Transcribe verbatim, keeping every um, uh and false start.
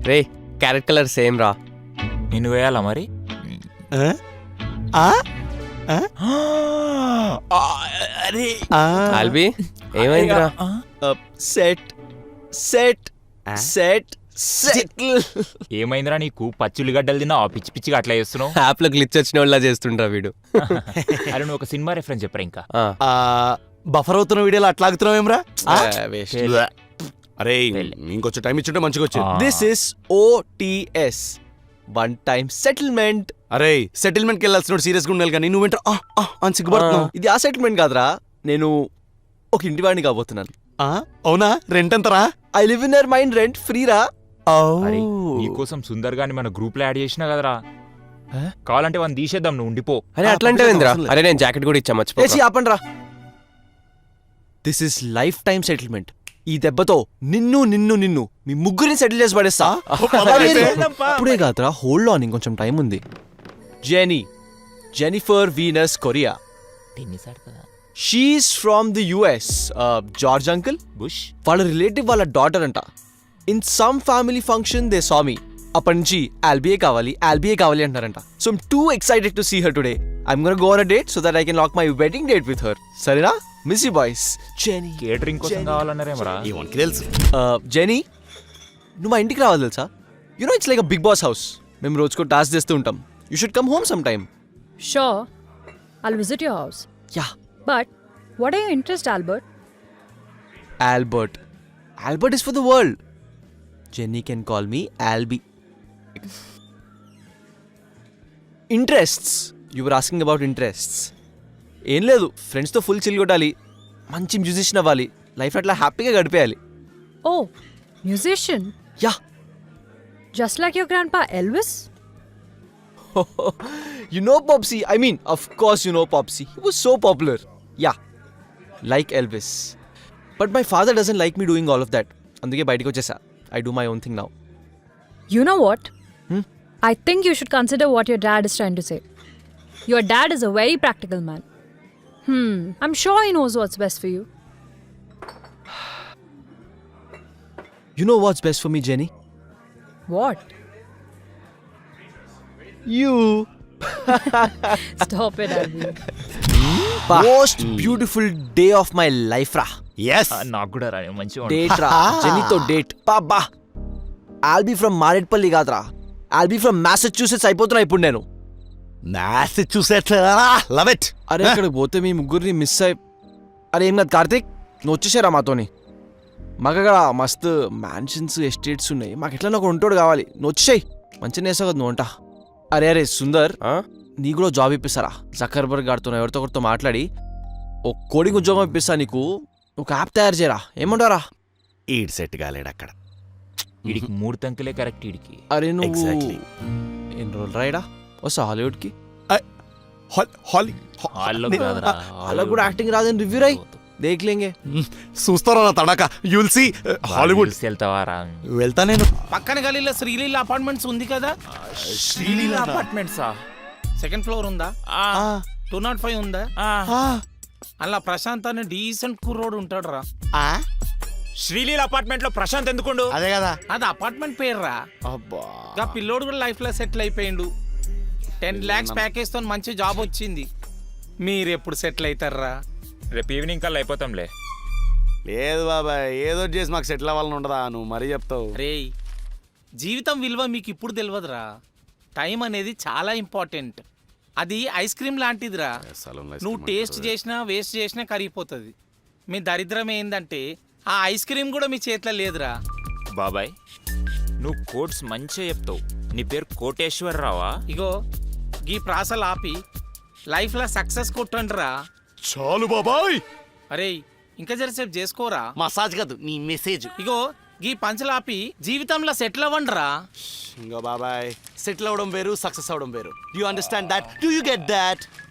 రే carrot colour same రా. నిన్ను వేయాలా మరి? అరే ఆల్బీ ఏమైందిరా? Set set set settle. ఏమైందిరా నీకు? పచ్చుల్లిగడ్డలు తిన్నా పిచ్చి పిచ్చిగా అట్లా చేస్తున్నావు. యాప్ లో గ్లిచ్ వచ్చిన వాళ్ళ చేస్తుండ్రా వీడు. అరే నువ్వు ఒక సినిమా రెఫరెన్స్ చెప్పరా ఇంకా? బఫర్ అవుతున్న వీడియోలో అట్లా ఆగుతున్నావు ఏమ్రా? అరే ఇంకొంచెం టైం ఇచ్చుంటే మంచిగా వచ్చింది. This is OTS, one time settlement. అరే సెటిల్మెంట్ కి వెళ్ళాల్సిన సీరియస్ గా ఉండాలి కానీ నువ్వు వింటా అని సిగ్గుపడుతున్నావు. ఇది ఆ సెటిల్మెంట్ కాదురా, నేను ఒక ఇంటి వాడిని కాబోతున్నాను. అవునా? రెంట్ ఎంతరా? I live in your mind, rent free రా. అరే నీకోసం సుందర్ గాని మన గ్రూప్ లో యాడ్ చేసినా కదరా, కావాలంటే వాడిని తీసేద్దాం, నువ్వు ఉండిపో. అరే అట్లా అంటే ఏందిరా? అరే నేను జాకెట్ కూడా ఇచ్చా మర్చిపో. ఆపండి రా. This is life time settlement. ఈ దెబ్బతో నిన్ను నిన్ను నిన్ను మీ ముగ్గురిని సెటిల్ చేసి పడేస్తా. అప్పుడే కాదురా, హోల్డ్ ఆన్, ఇంకొంచెం టైం ఉంది. Jenny, Jennifer Venus Korea. She's from the US. George uncle Bush వాళ్ళ రిలేటివ్ వాళ్ళ డాటర్ అంట. In some family function they saw me. అప్పటి నుంచి ఆల్బియే కావాలి ఆల్బియే కావాలి అంటారంట. So I'm too excited to see her today. I'm gonna go on a date so that I can lock my wedding date with her. సరేనా? Miss you boys. Jenny catering కోసం కావాలన్నారేమరా? తెలుసు. జెనీ నువ్వు మా ఇంటికి రావాలి తెలుసా? You know it's like a big boss house. మేము రోజుకో టాస్క్ చేస్తూ ఉంటాం. You should come home some time. Sure, I'll visit your house. Yeah. But what are your interests, Albert? Albert. Albert is for the world. Jenny can call me Albi. Interests. You were asking about interests. ఏం లేదు, ఫ్రెండ్స్తో full chill కొట్టాలి, మంచి musician అవ్వాలి, life అట్లా హ్యాపీగా గడిపేయాలి. Oh, musician. Yeah. Just like your grandpa Elvis? You know Popsy. I mean, of course you know Popsy. He was so popular. Yeah. Like Elvis. But my father doesn't like me doing all of that. అందుకే బయటకు వచ్చేసా. I do my own thing now. You know what? Hmm? I think you should consider what your dad is trying to say. Your dad is a very practical man. Hmm, I'm sure he knows what's best for you. You know what's best for me, Jenny? What? You. Stop it, Albie. Most beautiful day of my life రా. yes నాకు కూడా రా, మంచిగా date రా. జెనీతో date. బాబా Albie from Marredpally కాదురా, Albie from Massachusetts అయిపోతున్నా ఇప్పుడు నేను. Massachusetts love it. అరే ఇక్కడికి పోతే మీ ముగ్గురిని మిస్ అయి. అరే ఏం కాదు కార్తీక్, నువ్వు వచ్చేసారా మాతోని. మాకు అక్కడ మస్తు మ్యాన్షన్స్ ఎస్టేట్స్ ఉన్నాయి, మాకు ఎట్లా నాకు ఉంటాడు కావాలి. నువ్వు వచ్చేసాయి, మంచిగా వేసావు కదా నువ్వు వంట. అరే అరే సుందర్, నీ కూడా జాబ్ ఇప్పిస్తారా? జకర్బర్గ్ గారితో ఎవరితో ఒకరితో మాట్లాడి ఓ కోడింగ్ ఉద్యోగం ఇప్పిస్తా నీకు. ఒక యాప్ తయారు చేయరా, ఏమంటారా? ఈడ్ సెట్ కాలేడు అక్కడ. వీడికి మూడు తంకులే కరెక్ట్. వీడికి అరే నువ్వు Exactly. ఎన్ని రోజులు రాయడా వస్తా హాలీవుడ్కి? అలా కూడా యాక్టింగ్ రాదని రివ్యూ రాయి, దేఖ్లేంగే. చూస్తారా నా తడాక? You'll see Hollywood. వెళ్తావారా? వెళ్తా నేను. పక్కన గలీలో శ్రీలీల అపార్ట్మెంట్స్ ఉంది కదా. శ్రీలీల అపార్ట్మెంట్సా? సెకండ్ ఫ్లోర్ ఉందా? టూ నాట్ ఫైవ్ ఉందా? అలా ప్రశాంత్ అని డీసెంట్ కుర్రోడు ఉంటాడు రా. శ్రీలీల అపార్ట్మెంట్ లో ప్రశాంత్ ఎందుకుండు? అదే కదా, అది అపార్ట్మెంట్ పేరు రా. అబ్బా ఇంకా పిల్లోడు కూడా లైఫ్ లో సెటిల్ అయిపోయిండు. టెన్ లాక్స్ ప్యాకేజ్ తో మంచి జాబ్ వచ్చింది. మీరు ఎప్పుడు సెటిల్ అవుతారా? రేపు ఈవినింగ్ కల్లా అయిపోతాంలే. లేదు బాబాయ్, ఏదో చేసి మాకు సెటిల్ అవ్వాలని ఉండదా? నువ్వు మరీ చెప్తావు. రే, జీవితం విలువ మీకు ఇప్పుడు తెలియదురా. టైం అనేది చాలా ఇంపార్టెంట్. అది ఐస్ క్రీమ్ లాంటిదిరా. నువ్వు టేస్ట్ చేసినా వేస్ట్ చేసినా కరిగిపోతుంది. మీ దరిద్రం ఏందంటే ఆ ఐస్ క్రీమ్ కూడా మీ చేతిలో లేదురా. బాబాయ్ నువ్వు కోట్స్ మంచిగా చెప్తావు. నీ పేరు కోటేశ్వరరావా? ఇగో గీ ప్రాసలు ఆపి లైఫ్లో సక్సెస్ కొట్టండి రా. చాలు బాబాయ్. అరే ఇంకా జరసేపు చేసుకోరా. మసాజ్ కాదు, నీ మెసేజ్. ఇగో గీ పంచలాపి జీవితంలో సెటిల్ అవ్వండి రా. ఇంకో బాబాయ్, సెటిల్ అవడం వేరు, సక్సెస్ అవడం వేరు. Do you understand that? Do you get that?